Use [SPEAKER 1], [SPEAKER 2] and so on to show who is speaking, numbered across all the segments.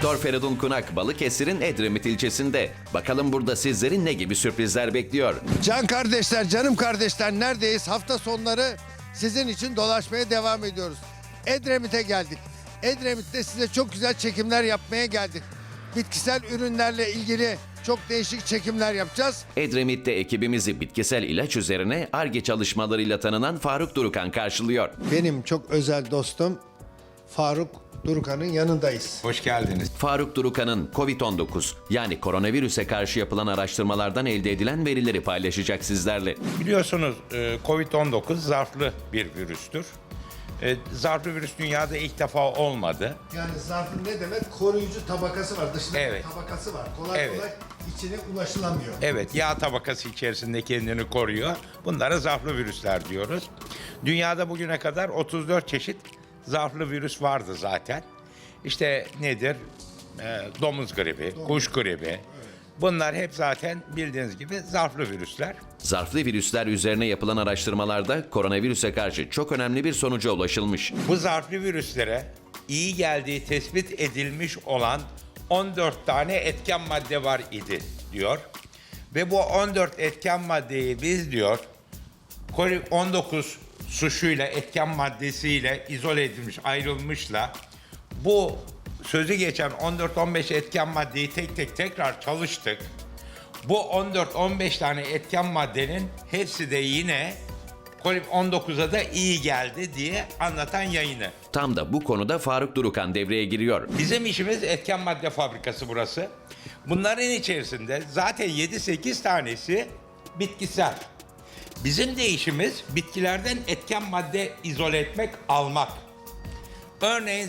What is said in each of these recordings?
[SPEAKER 1] Doktor Feridun Kunak Balıkesir'in Edremit ilçesinde. Bakalım burada sizleri ne gibi sürprizler bekliyor?
[SPEAKER 2] Can kardeşler, canım kardeşler neredeyiz? Hafta sonları sizin için dolaşmaya devam ediyoruz. Edremit'e geldik. Edremit'te size çok güzel çekimler yapmaya geldik. Bitkisel ürünlerle ilgili çok değişik çekimler yapacağız.
[SPEAKER 1] Edremit'te ekibimizi bitkisel ilaç üzerine Ar-Ge çalışmalarıyla tanınan Faruk Durukan karşılıyor.
[SPEAKER 2] Benim çok özel dostum Faruk Durukan'ın yanındayız.
[SPEAKER 3] Hoş geldiniz.
[SPEAKER 1] Faruk Durukan'ın COVID-19 yani koronavirüse karşı yapılan araştırmalardan elde edilen verileri paylaşacak sizlerle.
[SPEAKER 3] Biliyorsunuz COVID-19 zarflı bir virüstür. Zarflı virüs dünyada ilk defa olmadı.
[SPEAKER 2] Yani zarfın ne demek? Koruyucu tabakası var. Dışında
[SPEAKER 3] Evet.
[SPEAKER 2] tabakası var. Kolay
[SPEAKER 3] Evet.
[SPEAKER 2] kolay içine ulaşılamıyor.
[SPEAKER 3] Evet, yağ tabakası içerisinde kendini koruyor. Bunlara zarflı virüsler diyoruz. Dünyada bugüne kadar 34 çeşit zarflı virüs vardı zaten. İşte nedir? Domuz gribi, kuş gribi. Bunlar hep zaten bildiğiniz gibi zarflı virüsler.
[SPEAKER 1] Zarflı virüsler üzerine yapılan araştırmalarda koronavirüse karşı çok önemli bir sonuca ulaşılmış.
[SPEAKER 3] Bu zarflı virüslere iyi geldiği tespit edilmiş olan 14 tane etken madde var idi diyor. Ve bu 14 etken maddeyi biz diyor COVID-19 suçuyla, etken maddesiyle izole edilmiş, ayrılmışla bu sözü geçen 14-15 etken maddeyi tek tek tekrar çalıştık. Bu 14-15 tane etken maddenin hepsi de yine COVID-19'a da iyi geldi diye anlatan yayını.
[SPEAKER 1] Tam da bu konuda Faruk Durukan devreye giriyor.
[SPEAKER 3] Bizim işimiz etken madde fabrikası burası. Bunların içerisinde zaten 7-8 tanesi bitkisel. Bizim de işimiz bitkilerden etken madde izole etmek, almak. Örneğin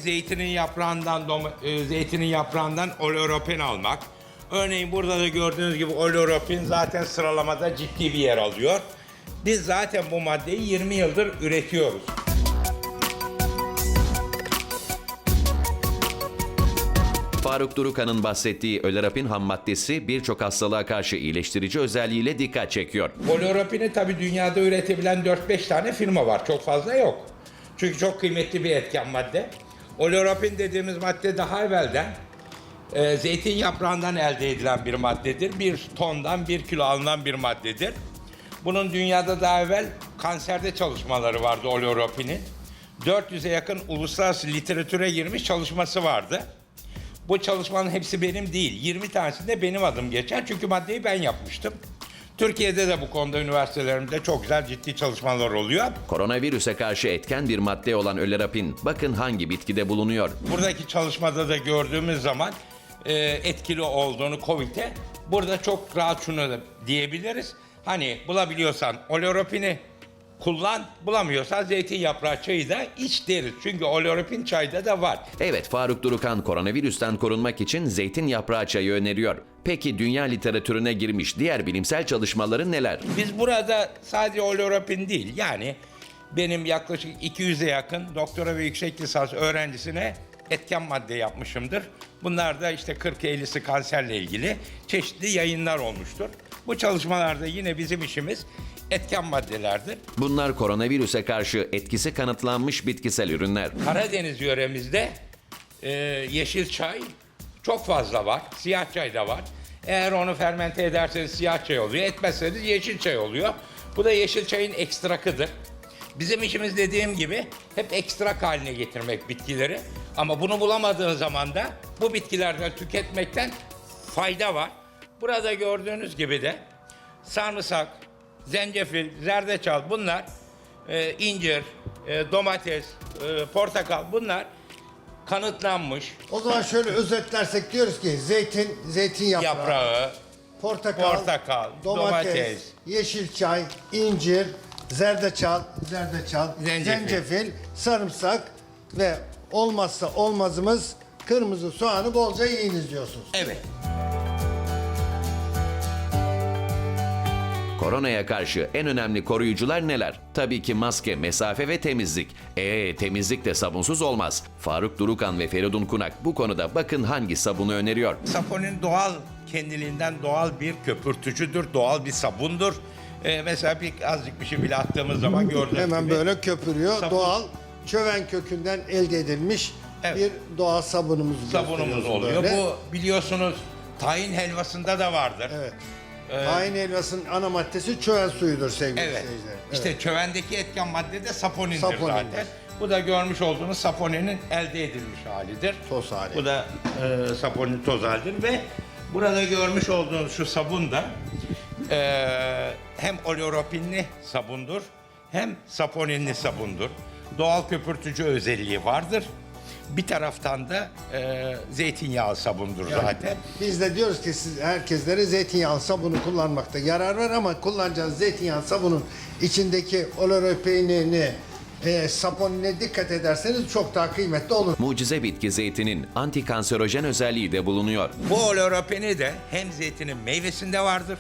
[SPEAKER 3] zeytinin yaprağından oleuropen almak. Örneğin burada da gördüğünüz gibi oleuropen zaten sıralamada ciddi bir yer alıyor. Biz zaten bu maddeyi 20 yıldır üretiyoruz.
[SPEAKER 1] Faruk Durukan'ın bahsettiği ölerapin ham maddesi birçok hastalığa karşı iyileştirici özelliğiyle dikkat çekiyor.
[SPEAKER 3] Oleuropen'i tabii dünyada üretebilen 4-5 tane firma var. Çok fazla yok. Çünkü çok kıymetli bir etken madde. Oleuropen dediğimiz madde daha evvelden zeytin yaprağından elde edilen bir maddedir. Bir tondan 1 kilo alınan bir maddedir. Bunun dünyada daha evvel kanserde çalışmaları vardı oleuropen'in. 400'e yakın uluslararası literatüre girmiş çalışması vardı. Bu çalışmanın hepsi benim değil. 20 tanesinde benim adım geçer. Çünkü maddeyi ben yapmıştım. Türkiye'de de bu konuda üniversitelerimizde çok güzel ciddi çalışmalar oluyor.
[SPEAKER 1] Koronavirüse karşı etken bir madde olan ölerapin bakın hangi bitkide bulunuyor.
[SPEAKER 3] Buradaki çalışmada da gördüğümüz zaman etkili olduğunu COVID'e burada çok rahat şunu da diyebiliriz. Hani bulabiliyorsan oleuropen'i kullan, bulamıyorsan zeytin yaprağı çayı da iç deriz. Çünkü oleuropen çayda da var.
[SPEAKER 1] Evet, Faruk Durukan koronavirüsten korunmak için zeytin yaprağı çayı öneriyor. Peki dünya literatürüne girmiş diğer bilimsel çalışmaları neler?
[SPEAKER 3] Biz burada sadece oleuropen değil, yani benim yaklaşık 200'e yakın doktora ve yüksek lisans öğrencisine etken madde yapmışımdır. Bunlar da işte 40-50'si kanserle ilgili çeşitli yayınlar olmuştur. Bu çalışmalarda yine bizim işimiz etken maddelerdir.
[SPEAKER 1] Bunlar koronavirüse karşı etkisi kanıtlanmış bitkisel ürünler.
[SPEAKER 3] Karadeniz yöremizde yeşil çay çok fazla var. Siyah çay da var. Eğer onu fermente ederseniz siyah çay oluyor. Etmezseniz yeşil çay oluyor. Bu da yeşil çayın ekstrakıdır. Bizim işimiz dediğim gibi hep ekstrak haline getirmek bitkileri. Ama bunu bulamadığın zaman da bu bitkilerden tüketmekten fayda var. Burada gördüğünüz gibi de sarımsak, zencefil, zerdeçal bunlar, incir, domates, portakal bunlar kanıtlanmış.
[SPEAKER 2] O zaman şöyle özetlersek diyoruz ki zeytin yaprağı, portakal, domates, yeşil çay, incir, zerdeçal, zencefil, sarımsak ve olmazsa olmazımız kırmızı soğanı bolca yiyiniz diyorsunuz.
[SPEAKER 3] Evet.
[SPEAKER 1] Koronaya karşı en önemli koruyucular neler? Tabii ki maske, mesafe ve temizlik. Temizlik de sabunsuz olmaz. Faruk Durukan ve Feridun Kunak bu konuda bakın hangi sabunu öneriyor.
[SPEAKER 3] Saponin doğal kendiliğinden doğal bir köpürtücüdür, doğal bir sabundur. Mesela azıcık bir şey bile attığımız zaman gördüğünüz
[SPEAKER 2] Hemen
[SPEAKER 3] gibi.
[SPEAKER 2] böyle köpürüyor.
[SPEAKER 3] Sabun.
[SPEAKER 2] Doğal çöven kökünden elde edilmiş
[SPEAKER 3] Evet.
[SPEAKER 2] bir doğal sabunumuz
[SPEAKER 3] Sabunumuz
[SPEAKER 2] gösteriyorsun
[SPEAKER 3] oluyor.
[SPEAKER 2] böyle.
[SPEAKER 3] Bu biliyorsunuz tahin helvasında da vardır.
[SPEAKER 2] Evet. Tahin helvasının ana maddesi çöğen suyudur sevgili
[SPEAKER 3] Evet.
[SPEAKER 2] seyirciler.
[SPEAKER 3] İşte çövendeki etken madde de saponindir,
[SPEAKER 2] Saponindir.
[SPEAKER 3] zaten. Bu da görmüş olduğunuz saponinin elde edilmiş halidir.
[SPEAKER 2] Toz hali.
[SPEAKER 3] Bu da saponin toz halidir ve burada görmüş olduğunuz şu sabun da hem oleoropinli sabundur hem saponinli sabundur. Doğal köpürtücü özelliği vardır. Bir taraftan da zeytinyağı sabundur zaten.
[SPEAKER 2] Biz de diyoruz ki siz herkeslere zeytinyağlı sabunu kullanmakta yarar var ama kullanacağınız zeytinyağlı sabunun içindeki oleoropinini, saponine dikkat ederseniz çok daha kıymetli olur.
[SPEAKER 1] Mucize bitki zeytinin antikanserojen özelliği de bulunuyor.
[SPEAKER 3] Bu oleoropini de hem zeytinin meyvesinde vardır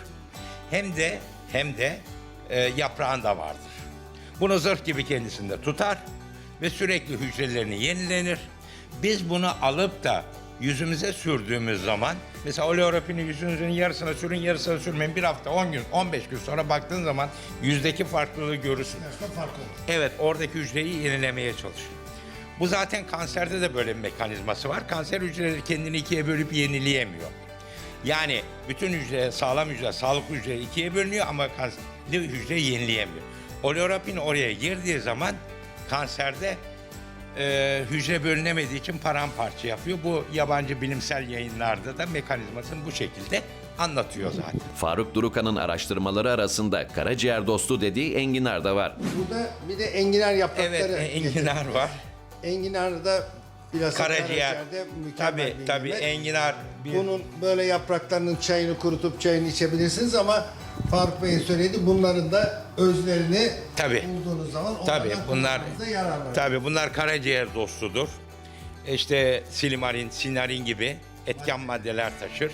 [SPEAKER 3] hem de yaprağında vardır. Bunu zırh gibi kendisinde tutar ve sürekli hücrelerini yenilenir. Biz bunu alıp da yüzümüze sürdüğümüz zaman, mesela oleoropini yüzünüzün yarısına sürün, yarısına sürmeyin, bir hafta, 10 gün, 15 gün sonra baktığın zaman yüzdeki farklılığı görürsün. Evet, oradaki hücreyi yenilemeye çalışır. Bu zaten kanserde de böyle bir mekanizması var. Kanser hücreleri kendini ikiye bölüp yenileyemiyor. Yani bütün hücre, sağlam hücre, sağlıklı hücre ikiye bölünüyor ama kanserli hücre yenileyemiyor. Oleoropin oraya girdiği zaman kanserde hücre bölünemediği için paramparça yapıyor. Bu yabancı bilimsel yayınlarda da mekanizmasını bu şekilde anlatıyor zaten.
[SPEAKER 1] Faruk Durukan'ın araştırmaları arasında karaciğer dostu dediği enginar da var.
[SPEAKER 2] Burada bir de enginar yaprakları.
[SPEAKER 3] Evet, enginar var.
[SPEAKER 2] Enginar da biraz
[SPEAKER 3] Karaciğer.
[SPEAKER 2] mükemmel bir
[SPEAKER 3] Tabii
[SPEAKER 2] nimet.
[SPEAKER 3] enginar bir
[SPEAKER 2] Bunun böyle yapraklarının çayını kurutup çayını içebilirsiniz ama Faruk Bey'in söylediği bunların da özlerini
[SPEAKER 3] Tabii.
[SPEAKER 2] bulduğunuz zaman
[SPEAKER 3] Tabii
[SPEAKER 2] onlardan
[SPEAKER 3] bunlar
[SPEAKER 2] kullanmanıza yarar var.
[SPEAKER 3] tabii bunlar karaciğer dostudur. İşte silimarin, sinarin gibi etken maddeler taşır.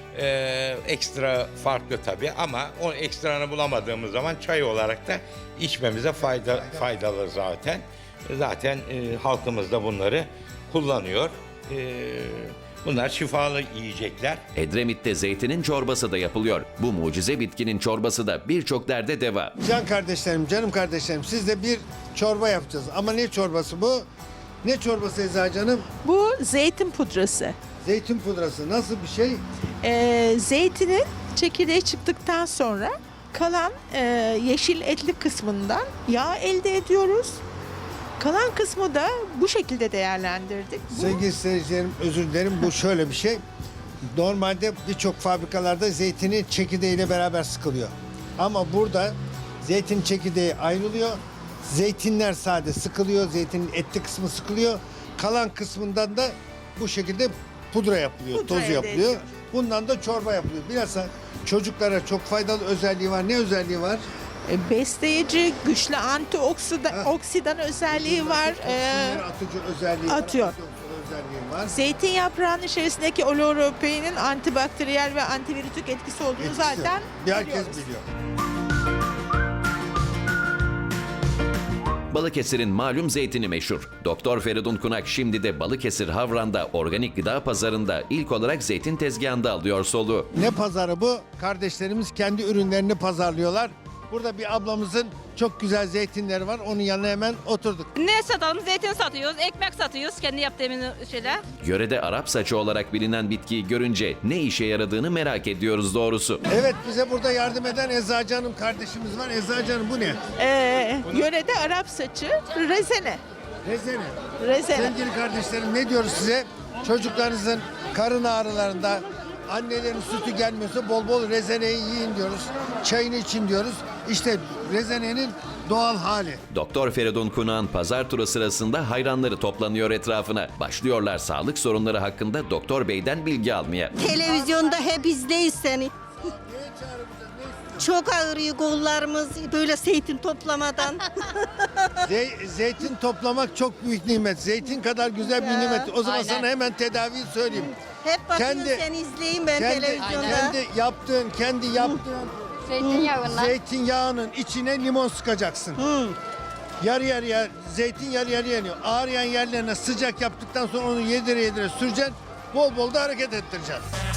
[SPEAKER 3] Ekstra farklı tabii ama o ekstranı bulamadığımız zaman çay olarak da içmemize faydalı zaten. Zaten halkımız da bunları kullanıyor. Bunlar şifalı yiyecekler.
[SPEAKER 1] Edremit'te zeytinin çorbası da yapılıyor. Bu mucize bitkinin çorbası da birçok derde deva.
[SPEAKER 2] Can kardeşlerim, canım kardeşlerim sizle bir çorba yapacağız. Ama ne çorbası bu? Ne çorbası Eza canım?
[SPEAKER 4] Bu zeytin pudrası.
[SPEAKER 2] Zeytin pudrası. Nasıl bir şey?
[SPEAKER 4] Zeytinin çekirdeği çıktıktan sonra kalan yeşil etli kısmından yağ elde ediyoruz. Kalan kısmı da bu şekilde değerlendirdik.
[SPEAKER 2] Sevgili seyircilerim özür dilerim. Bu şöyle bir şey. Normalde birçok fabrikalarda zeytinin çekirdeğiyle beraber sıkılıyor. Ama burada zeytin çekirdeği ayrılıyor. Zeytinler sade sıkılıyor. Zeytinin etli kısmı sıkılıyor. Kalan kısmından da bu şekilde pudra yapılıyor,
[SPEAKER 4] Pudra
[SPEAKER 2] tozu
[SPEAKER 4] elde
[SPEAKER 2] yapılıyor.
[SPEAKER 4] ediyoruz.
[SPEAKER 2] Bundan da çorba yapılıyor. Bilhassa çocuklara çok faydalı özelliği var. Ne özelliği var?
[SPEAKER 4] Besleyici, güçlü antioksidan özelliği var.
[SPEAKER 2] Toksinleri atıcı özelliği
[SPEAKER 4] atıyor.
[SPEAKER 2] var. Antioksidan özelliği var.
[SPEAKER 4] Zeytin yaprağının içerisindeki oleoropinin antibakteriyel ve antivirütik etkisi olduğunu
[SPEAKER 2] Etkisi.
[SPEAKER 4] zaten
[SPEAKER 2] Herkes
[SPEAKER 4] biliyoruz.
[SPEAKER 2] biliyor.
[SPEAKER 1] Balıkesir'in malum zeytini meşhur. Doktor Feridun Kunak şimdi de Balıkesir Havran'da organik gıda pazarında ilk olarak zeytin tezgahında alıyor soluğu.
[SPEAKER 2] Ne pazarı bu? Kardeşlerimiz kendi ürünlerini pazarlıyorlar. Burada bir ablamızın çok güzel zeytinleri var. Onun yanına hemen oturduk.
[SPEAKER 5] Ne satalım? Zeytin satıyoruz, ekmek satıyoruz. Kendi yaptığımız şeyler.
[SPEAKER 1] Yörede Arap saçı olarak bilinen bitkiyi görünce ne işe yaradığını merak ediyoruz doğrusu.
[SPEAKER 2] Evet bize burada yardım eden Eza Hanım kardeşimiz var. Eza Hanım bu ne?
[SPEAKER 4] Yörede Arap saçı, rezene.
[SPEAKER 2] Rezene.
[SPEAKER 4] Rezene.
[SPEAKER 2] Sevgili kardeşlerim ne diyoruz size? Çocuklarınızın karın ağrılarında annelerin sütü gelmiyorsa bol bol rezeneyi yiyin diyoruz. Çayını için diyoruz. İşte rezenenin doğal hali.
[SPEAKER 1] Doktor Feridun Kunak'ın pazar turu sırasında hayranları toplanıyor etrafına. Başlıyorlar sağlık sorunları hakkında Doktor Bey'den bilgi almaya.
[SPEAKER 6] Televizyonda hep izleyiz seni. Çok ağrıyor kollarımız böyle zeytin toplamadan.
[SPEAKER 2] Zeytin toplamak çok büyük nimet. Zeytin kadar güzel bir nimet. O zaman
[SPEAKER 6] aynen.
[SPEAKER 2] sana hemen tedaviyi söyleyeyim.
[SPEAKER 6] Hep bakıyorum
[SPEAKER 2] Kendi-
[SPEAKER 6] seni izleyeyim ben televizyonda.
[SPEAKER 2] Kendi yaptığın
[SPEAKER 5] Zeytinyağından.
[SPEAKER 2] zeytinyağının içine limon sıkacaksın. Yarı yarıya zeytin yarı yarıya yanıyor. Ağrıyan yerlerine sıcak yaptıktan sonra onu yedire yedire süreceksin. Bol bol da hareket ettireceksin.